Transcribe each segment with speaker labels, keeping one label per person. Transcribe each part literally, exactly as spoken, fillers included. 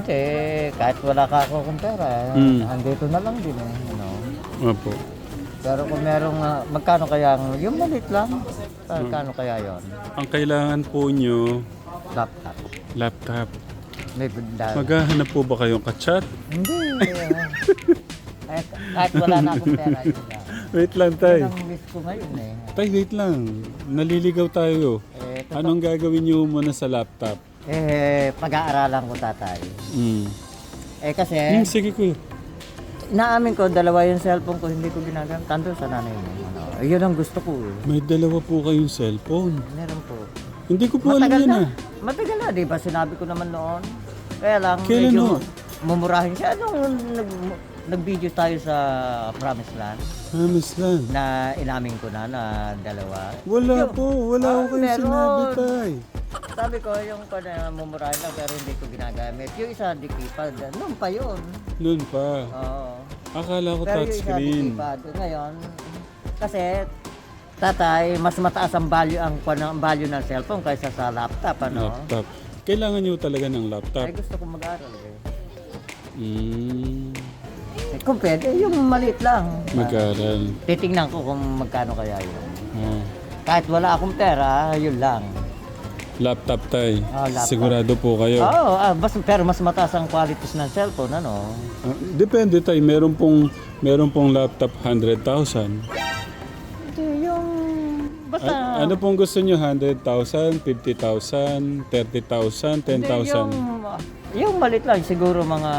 Speaker 1: Hindi, kahit wala ka ako kung pera,
Speaker 2: Mm.
Speaker 1: andito na lang din eh. Ano?
Speaker 2: Opo.
Speaker 1: Pero kung merong, ah, magkano kaya, ang- yung maliit lang, magkano kaya yon?
Speaker 2: Ang kailangan po nyo,
Speaker 1: Laptop.
Speaker 2: laptop.
Speaker 1: May bunda.
Speaker 2: Maghahanap po ba kayong kachat?
Speaker 1: Hindi. ah. kahit, kahit wala na akong pera, yun lang.
Speaker 2: Wait lang,
Speaker 1: Yun
Speaker 2: tay.
Speaker 1: ang wish ko ngayon eh.
Speaker 2: Tay, wait lang. Naliligaw tayo.
Speaker 1: Eh, totoo-
Speaker 2: Anong gagawin nyo muna sa laptop?
Speaker 1: Eh, pag-aaralan ko tatay.
Speaker 2: Mm.
Speaker 1: Eh kasi,
Speaker 2: Hmm, sige kuya.
Speaker 1: naamin ko, dalawa yung cellphone ko, hindi ko ginagamit. Tando sa nanay mo. Ano, eh, yun ang gusto ko eh.
Speaker 2: May dalawa po kayong cellphone.
Speaker 1: Meron po.
Speaker 2: Hindi ko po alam
Speaker 1: Matagal
Speaker 2: yan
Speaker 1: na.
Speaker 2: ah.
Speaker 1: Matagal na, di ba? Sinabi ko naman noon. Kaya lang,
Speaker 2: Kailan
Speaker 1: medyo
Speaker 2: no?
Speaker 1: mumurahin siya. Anong nag, nag-video tayo sa Promised Land
Speaker 2: Hamis lang.
Speaker 1: na inamin ko na na dalawa.
Speaker 2: Wala
Speaker 1: Yung-
Speaker 2: po. Wala
Speaker 1: Ah,
Speaker 2: ko kayo
Speaker 1: meron.
Speaker 2: sinabi, tay.
Speaker 1: Sabi ko, yung ko na mumurahin lang pero hindi ko ginagamit. Yung isa, dikipad. Noon pa yun.
Speaker 2: Noon pa.
Speaker 1: Oo.
Speaker 2: Akala ko
Speaker 1: Pero yung isa,
Speaker 2: touchscreen.
Speaker 1: dikipad. Ngayon, kasi tatay, mas mataas ang value ang, ang value ng cellphone kaysa sa laptop, ano?
Speaker 2: Laptop. Kailangan nyo talaga ng laptop.
Speaker 1: Ay, gusto ko mag-aral eh.
Speaker 2: Mm.
Speaker 1: Eh, kung pwede, yung maliit lang.
Speaker 2: Mag-aral.
Speaker 1: Titingnan ko kung magkano kaya yun.
Speaker 2: Oh.
Speaker 1: Kahit wala akong pera, yun lang.
Speaker 2: Laptop, tay.
Speaker 1: Ah, laptop.
Speaker 2: Sigurado po kayo.
Speaker 1: Oo, ah, bas, pero mas mataas ang qualities ng cellphone, ano?
Speaker 2: Ah, depende, tay. Meron pong, meron pong laptop one hundred thousand.
Speaker 1: Hindi, yung... Basta...
Speaker 2: A- ano pong gusto nyo? one hundred thousand, fifty thousand, thirty thousand, ten
Speaker 1: Hindi,
Speaker 2: thousand?
Speaker 1: yung, yung maliit lang, siguro mga...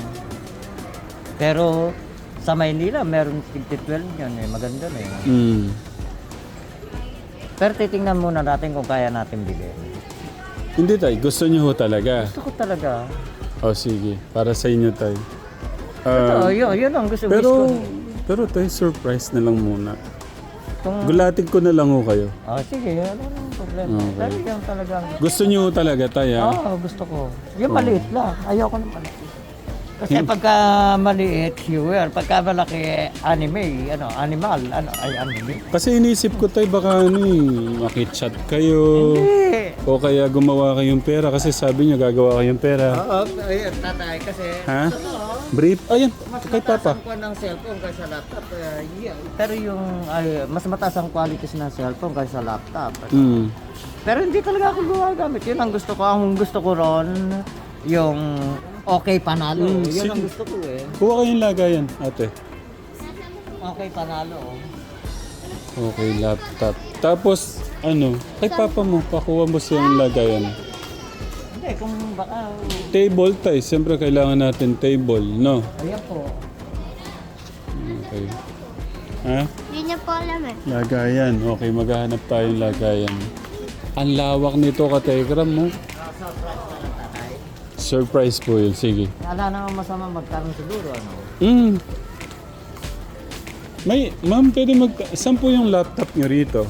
Speaker 1: Pero sa Maynila, meron fifty twelve yun eh. Maganda na eh.
Speaker 2: Mm.
Speaker 1: Pero titingnan muna natin kung kaya natin bilhin.
Speaker 2: Hindi, tay. Gusto nyo ho talaga.
Speaker 1: Gusto ko talaga.
Speaker 2: O sige, para sa inyo, tay.
Speaker 1: Oo,
Speaker 2: Ah,
Speaker 1: yun, yun ang gusto, wish
Speaker 2: pero,
Speaker 1: ko.
Speaker 2: pero tay, surprise na lang muna.
Speaker 1: Kung,
Speaker 2: Gulatin ko na lang ho kayo.
Speaker 1: oh, sige, ano nang problema.
Speaker 2: Okay.
Speaker 1: Pero yung talagang...
Speaker 2: Gusto nyo ho talaga, tay,
Speaker 1: Oo,
Speaker 2: ha?
Speaker 1: gusto ko. Yung maliit lang. Ayoko ng malaki. Kasi pagka maliit, viewer. Pagka malaki, anime, ano, animal, ano, ay anime.
Speaker 2: Kasi inisip ko, tay, baka ano eh, makichat kayo.
Speaker 1: Hindi.
Speaker 2: O kaya gumawa kayong pera kasi sabi niya gagawa kayong pera.
Speaker 1: Oo, ayun, tatay, kasi...
Speaker 2: Ha? Brief? Ayan,
Speaker 1: Mas
Speaker 2: kay
Speaker 1: mataas
Speaker 2: Papa.
Speaker 1: ang kuha ng cellphone kaysa laptop. Kaya, yeah. Pero yung, ay, mas mataas ang qualities ng cellphone kaysa laptop.
Speaker 2: Hmm.
Speaker 1: Pero hindi talaga ako gumagamit. Yun ang gusto ko. Ang gusto ko ron, yung okay panalo.
Speaker 2: Mm,
Speaker 1: Yun ang
Speaker 2: sige.
Speaker 1: gusto ko eh.
Speaker 2: Kuha kayong lagayan, ate.
Speaker 1: Okay panalo.
Speaker 2: Okay, laptop. Tapos, ano, kay Papa mo, pakuha mo siyang lagayan.
Speaker 1: Hindi, kung baka...
Speaker 2: Table, tay. Siyempre, kailangan natin table, no?
Speaker 1: Ayan po.
Speaker 2: Okay. Ha?
Speaker 3: Hindi niya po alam eh.
Speaker 2: Lagayan. Okay, maghahanap tayong lagayan. Ang lawak nito, ka-telegram mo. Surprise po yun. Sige.
Speaker 1: Wala naman masama magkaroon siguro, ano?
Speaker 2: Mm. May, ma'am, pwede mag... Saan po yung laptop nyo rito?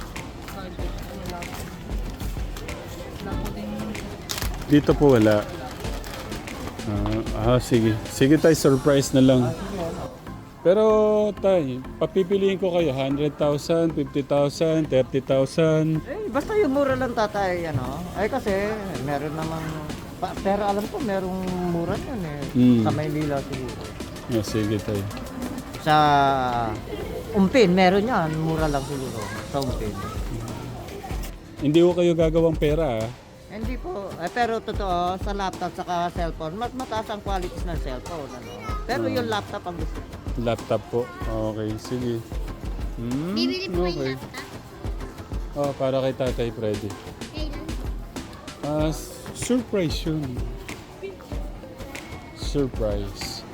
Speaker 2: Dito po wala. Ah, ah, sige. Sige tayo, surprise na lang. Pero tay, papipiliin ko kayo, one hundred thousand, fifty thousand, thirty thousand.
Speaker 1: Eh, basta yung mura lang tatay, ano? Ay kasi, meron namang... Pa, pero alam ko, merong mura yun eh.
Speaker 2: Mm.
Speaker 1: Sa Maynila siguro.
Speaker 2: Oh, sige tayo.
Speaker 1: Sa Umpin, meron yan. Mura lang siguro. Sa Umpin.
Speaker 2: Hindi ko kayo gagawang pera ah.
Speaker 1: Hindi po. Eh, pero totoo, sa laptop saka cellphone, mas mataas ang qualities ng cellphone. Ano? Pero yung laptop ang gusto ko.
Speaker 2: Laptop po. Okay, sige. Hmm,
Speaker 3: Bibili po yung
Speaker 2: okay.
Speaker 3: laptop.
Speaker 2: Oh, para kay Tatay Freddy.
Speaker 3: Kailan?
Speaker 2: Ah, s- surprise yun. Surprise.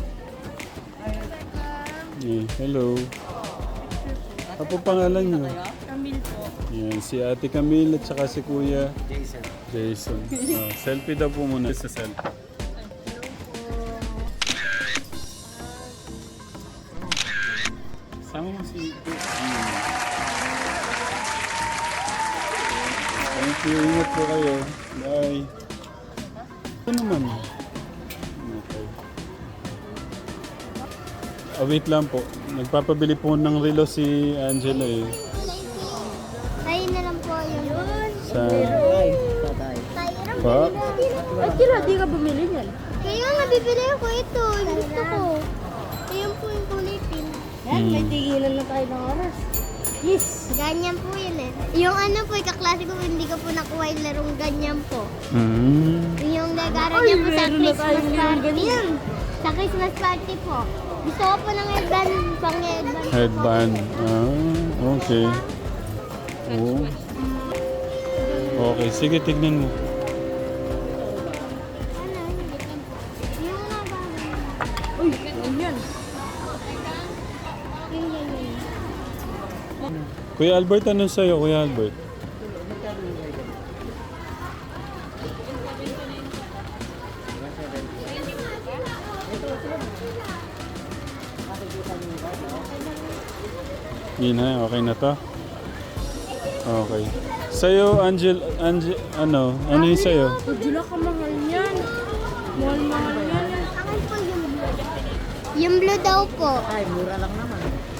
Speaker 2: Eh, hello. Ano po pangalan niyo?
Speaker 3: Camille po.
Speaker 2: Yan, si Ate Camille at saka si Kuya
Speaker 1: Jason.
Speaker 2: Jason. Ah, selfie daw po muna sa selfie. Sama mo si Hmm. Thank you. Ingat po kayo. Bye. Ito naman. Okay. Ah, wait lang po. Nagpapabili po ng relo si Angela eh.
Speaker 3: Tayo na lang po yun.
Speaker 2: Sa...
Speaker 1: Ay, tatay.
Speaker 3: Tayo na
Speaker 2: Pa?
Speaker 3: po. Ba't kira di ka bumili niyan? Kaya nga bibili ako ito. Yung gusto ko. Ayan po yung kulay pink.
Speaker 2: Yan, may Hmm.
Speaker 3: tigilan na tayo ng oras. Yes. Ganyan po yun eh. Yung ano po, yung kaklase ko, hindi ko po nakuha yung larong ganyan po.
Speaker 2: Mm.
Speaker 3: Yung nagaro niya po sa Christmas party. Yun. Sa Christmas party po. Gusto ko po ng headband, pang headband.
Speaker 2: Headband. Ah, okay. Oh. Okay, sige, tignan mo.
Speaker 3: Ano? Yung naba.
Speaker 4: Uy, ano yan?
Speaker 3: Yung ganyan.
Speaker 2: Kuya Albert, anong sa'yo, Kuya Albert? Yun na, okay na to? Okay. Sa'yo, Angel, Angel, ano? Ano yung sa'yo?
Speaker 4: Pudula ka mahal yan. Mahal-mahal yan.
Speaker 3: Akin po yung blue. Yung blue daw po.
Speaker 1: Ay, mura lang naman.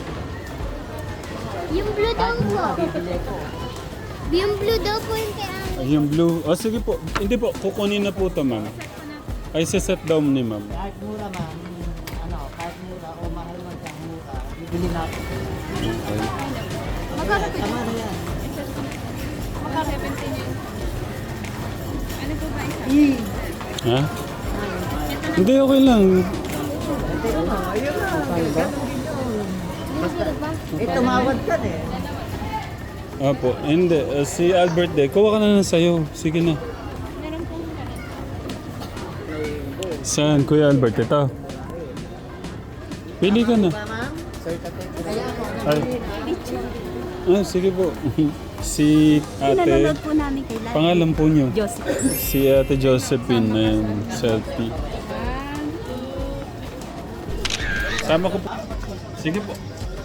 Speaker 3: Yung blue daw po.
Speaker 1: Bibili ko.
Speaker 3: Yung blue daw po yung kay Ang.
Speaker 2: Ay, yung blue. Oh, sige po. Hindi po, kukunin na po to, ma'am. Ay, set down ni ma'am.
Speaker 1: Kahit mura man, ano, kahit mura o mahal man siyang mura, bibili natin.
Speaker 2: Okay.
Speaker 4: Magkano po?
Speaker 1: Tama na yan.
Speaker 4: Makaka-seventeen yun. Ano po ba isa?
Speaker 2: Ha? Hindi, okay lang.
Speaker 1: Ano, ayun na. Ganun din yun. Eh, tumawad ka eh.
Speaker 2: Apo, hindi. Uh, si Albert de, kuha ka na lang sa'yo. Sige na.
Speaker 4: Meron po ganun.
Speaker 2: Saan, Kuya Albert? Ito. Pili ka na.
Speaker 1: Kaya ako,
Speaker 2: Ay. Ah, sige po. Si ate,
Speaker 4: Pinanonood po namin kay Lai.
Speaker 2: pangalan po niyo?
Speaker 4: Joseph.
Speaker 2: Si ate Josephine na yun, selfie. Sama ko po. Sige po.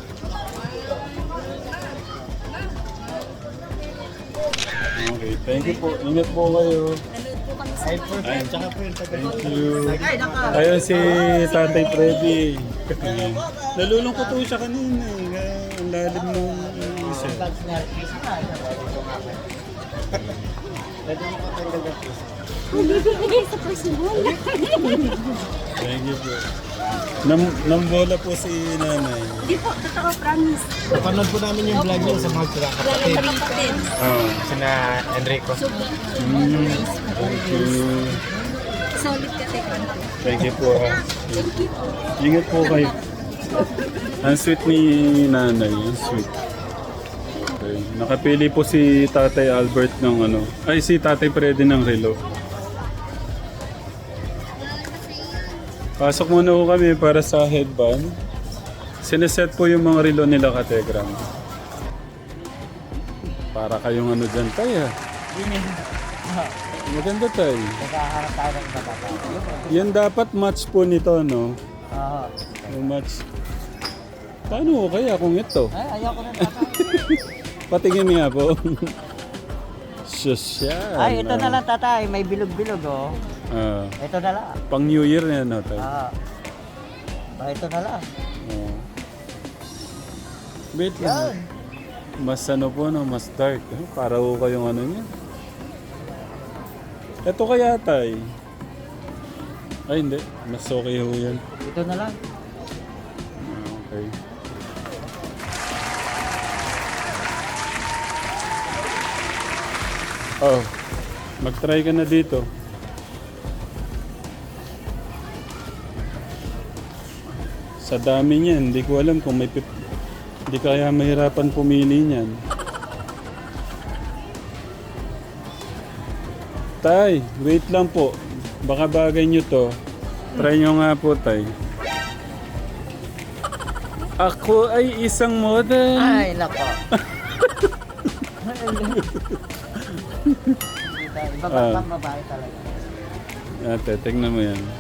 Speaker 2: Okay, thank you po. Ingat po kayo. Ay, thank you. Ayun si Tatay Freddy. Nalulungkot po siya kanina eh. Kaya ang lalim ng isa.
Speaker 3: Bibigay sa personal.
Speaker 2: Thank you po. Nam nambola po si nanay.
Speaker 4: Hindi po, totoo, promise.
Speaker 5: Napanood po namin yung vlog niyo sa mga sila kapatid.
Speaker 4: Kapatid.
Speaker 2: Ah.
Speaker 5: Sina Enrico.
Speaker 2: Mm, thank you.
Speaker 4: Solid ka, Tekman.
Speaker 2: Thank you po. Ha. Ingat po kayo. Ang sweet ni nanay. Ang sweet. Okay. Nakapili po si Tatay Albert ng ano. Ay, si Tatay Freddy ng relo. Pasok muna po kami para sa headband. Sineset po yung mga relo nila kategram. Para kayong ano dyan tayo. Maganda tayo.
Speaker 1: Naghaharap tayo ng iba tayo.
Speaker 2: Yan dapat match po nito, no?
Speaker 1: Oo.
Speaker 2: Yung match. Paano ko kaya kung ito?
Speaker 1: Ay, ayoko na tatay.
Speaker 2: Patingin nga po. Sosyal.
Speaker 1: Ay, ito na lang tatay. May bilog-bilog oh.
Speaker 2: Ah,
Speaker 1: Ito na lang.
Speaker 2: pang New Year na yan, tayo.
Speaker 1: Ah. Ah, ito na lang.
Speaker 2: Oh. Wait lang. Mas ano po, no? Mas dark. Eh? Para ko kayong ano niya. Ito kaya tay. Ay hindi. Mas okay ho yan.
Speaker 1: Ito na lang.
Speaker 2: Ah, okay. Oh. Mag-try ka na dito. Sa dami niyan, hindi ko alam kung may pip... Hindi kaya mahirapan pumili niyan. Tay, wait lang po. Baka bagay nyo to. Try nyo nga po, tay. Ako ay isang model.
Speaker 1: Ay, nako. Iba ba
Speaker 2: Ah.
Speaker 1: pang babae talaga?
Speaker 2: Ate, tingnan mo yan.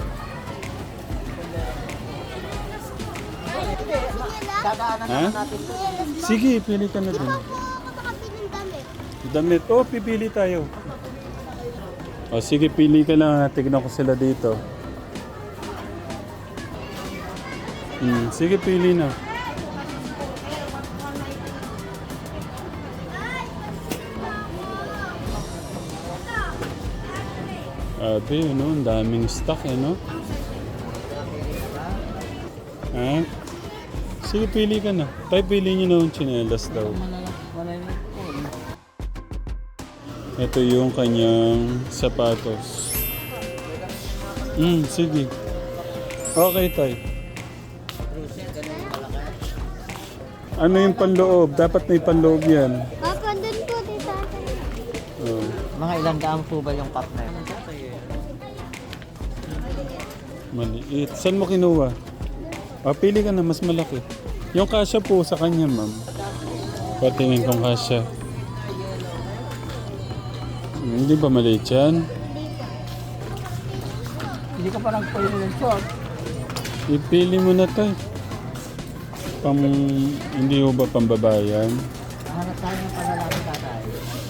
Speaker 1: Dadaanan
Speaker 2: Ha?
Speaker 1: naman natin.
Speaker 2: Sige, pili ka na dun.
Speaker 3: Ako nakabili ng damit.
Speaker 2: Damit. Oh, pipili tayo. O sige, pili ka lang. Tignan ko sila dito. Hmm, sige, pili na. Grabe, ano, ang daming stock, ano? Ha? Sige, pili ka na. Tayo, pili nyo na yung tsinelas daw. Ito yung kanyang sapatos. Hmm, sige. Okay, tay. Ano yung panloob? Dapat may panloob yan.
Speaker 3: Papa, doon po, tita.
Speaker 2: Oh.
Speaker 1: Mga ilang daan po ba yung cup na yun?
Speaker 2: Maliit. Saan mo kinuha? Ah, pili ka na, mas malaki. Yung kasya po sa kanya, ma'am. Patingin kong kasya. Hmm, Hindi ba maliit yan?
Speaker 1: Hindi ka pa nagpili ng short.
Speaker 2: Ipili mo na tayo. Pang, hindi mo ba pambabayan?
Speaker 1: Hanap tayo ng panlalaki tatay.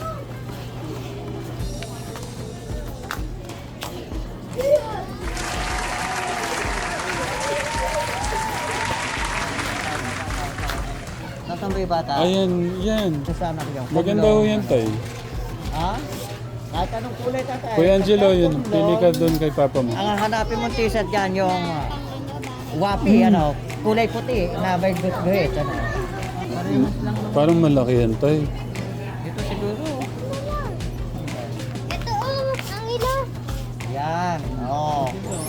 Speaker 1: Nasaan ba yung bata?
Speaker 2: Ayan, yan.
Speaker 1: Kasama ko yung
Speaker 2: Maganda ho yan tayo.
Speaker 1: Ha? Kahit anong kulay tatay.
Speaker 2: Kuya Angelo,
Speaker 1: Basta
Speaker 2: yun.
Speaker 1: tumlong.
Speaker 2: Pili ka doon kay papa mo.
Speaker 1: Ang hanapin mong t-shirt dyan yung uh, wapi, ano, kulay puti na may guhit, ano.
Speaker 2: Parang malaki yan tayo.
Speaker 1: Dito siguro.
Speaker 3: Ito, oh, ang ilo.
Speaker 1: Yan, oo.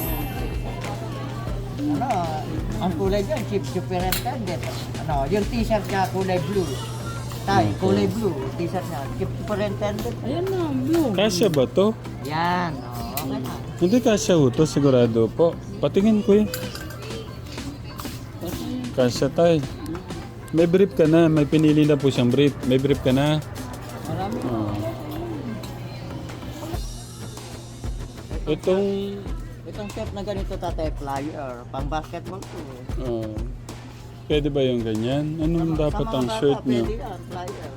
Speaker 1: Ano, ang kulay dyan, chief superintendent. Ano, yung t-shirt niya kulay blue. Tay, kulay blue, t-shirt niya, chief superintendent.
Speaker 4: Ayan na, blue.
Speaker 2: Kasya ba to?
Speaker 1: Yan, oo, okay na.
Speaker 2: Hindi kasya ho to, sigurado po. Patingin ko eh. Kasya tayo. May brief ka na, may pinili na po siyang brief. May brief ka na.
Speaker 1: Marami.
Speaker 2: Oh. Itong...
Speaker 1: Itong shirt na ganito tatay, flyer, pang basketball to.
Speaker 2: Oh. Pwede ba yung ganyan? Anong dapat
Speaker 1: Sa mga
Speaker 2: ang
Speaker 1: bata,
Speaker 2: shirt niyo?
Speaker 1: Pwede yan, flyer.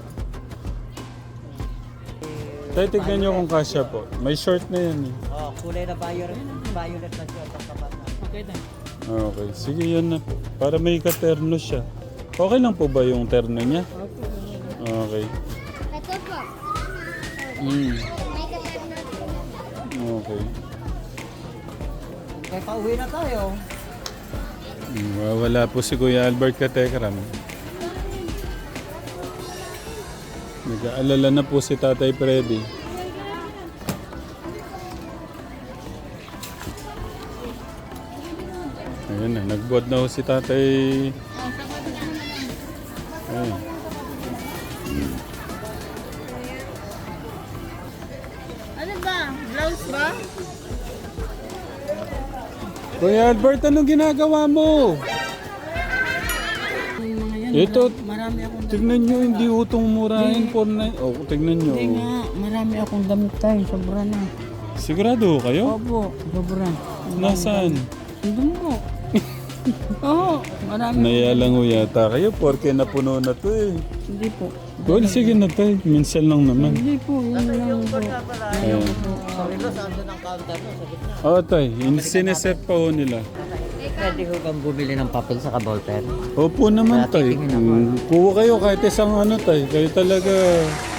Speaker 2: Tayo tignan niyo kung kasya po. May short na yan eh.
Speaker 1: Oh, kulay na violet, violet na shirt ang kapat na.
Speaker 4: Okay na.
Speaker 2: Okay, sige yan na po. Para may katerno siya. Okay lang po ba yung terno niya? Okay.
Speaker 3: Ito po.
Speaker 2: Mm.
Speaker 3: May katarno.
Speaker 2: Okay.
Speaker 1: Kaya pauwi na tayo.
Speaker 2: Mm, wala po si Kuya Albert Katekram. Nag-aalala na po si Tatay Freddy. Ayun na, nagbuhat na ho si Tatay. Ayun.
Speaker 4: Ano ba? Blouse ba?
Speaker 2: Kuya Albert, anong ginagawa mo?
Speaker 4: Yung mga yan.
Speaker 2: Ito,
Speaker 4: Marami akong
Speaker 2: tignan nyo, hindi utong murahin po na... Oh, tignan nyo.
Speaker 4: Hindi nga, marami akong damit tayo. Sobra na.
Speaker 2: Sigurado kayo?
Speaker 4: Opo, sobra.
Speaker 2: Nasaan?
Speaker 4: Doon po. Oo, marami.
Speaker 2: Naya lang ho yata kayo porque napuno na to eh.
Speaker 4: Hindi po.
Speaker 2: Well, sige na tayo. Minsan lang naman.
Speaker 4: Hindi po, yun lang po.
Speaker 2: Ayan.
Speaker 1: Sorry lo, saan doon ang counter mo? Sa gitna.
Speaker 2: Oo tay, in- sineset pa ho nila.
Speaker 1: Pwede ko bang bumili ng papel sa ballpen?
Speaker 2: Opo naman tay.
Speaker 1: Titingin ako.
Speaker 2: Mm, kuha kayo kahit isang ano tay. Kayo talaga